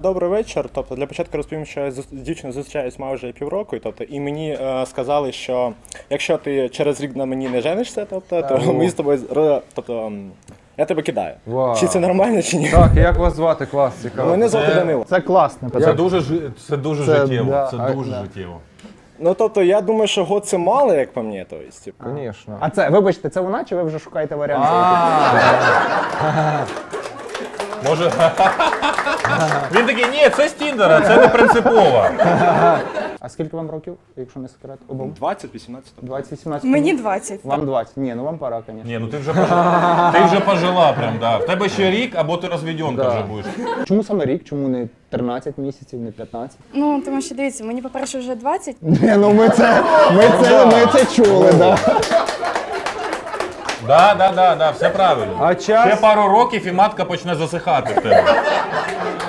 Добрий вечір. Тобто для початку розповім, що я з дівчиною зустрічаюсь майже півроку, тобто, і мені сказали, що якщо ти через рік на мені не женишся, тобто, то ми з тобою тобто, я тебе кидаю. Вау. Чи це нормально, чи ні? Так, як вас звати? Клас, цікаво. Мене звати Данило. Це класне Це питання. дуже життєво. да, Це дуже да. життєво. Ну тобто я думаю, що год це мало, як по мені, то есть, типу. Звісно. А це, вибачте, це вона, чи ви вже шукаєте варіанти? Може. Він такий, ні, це з Тіндера, це не принципово. А скільки вам років, якщо не секрет? Обом? 20-18. 20-17? Мені 20. Вам 20. Ні, ну вам пора, звісно. Ні, ну ти вже пожила прям, да. В тебе ще рік, або ти розведенка Да. вже будеш. Чому саме рік? Чому не 13 місяців, не 15? Ну, тому що дивіться, мені, по-перше, вже 20. Ні, ну ми це чули, да. Да, все правильно. А час? Ще пару років і матка почне засихати в тебе.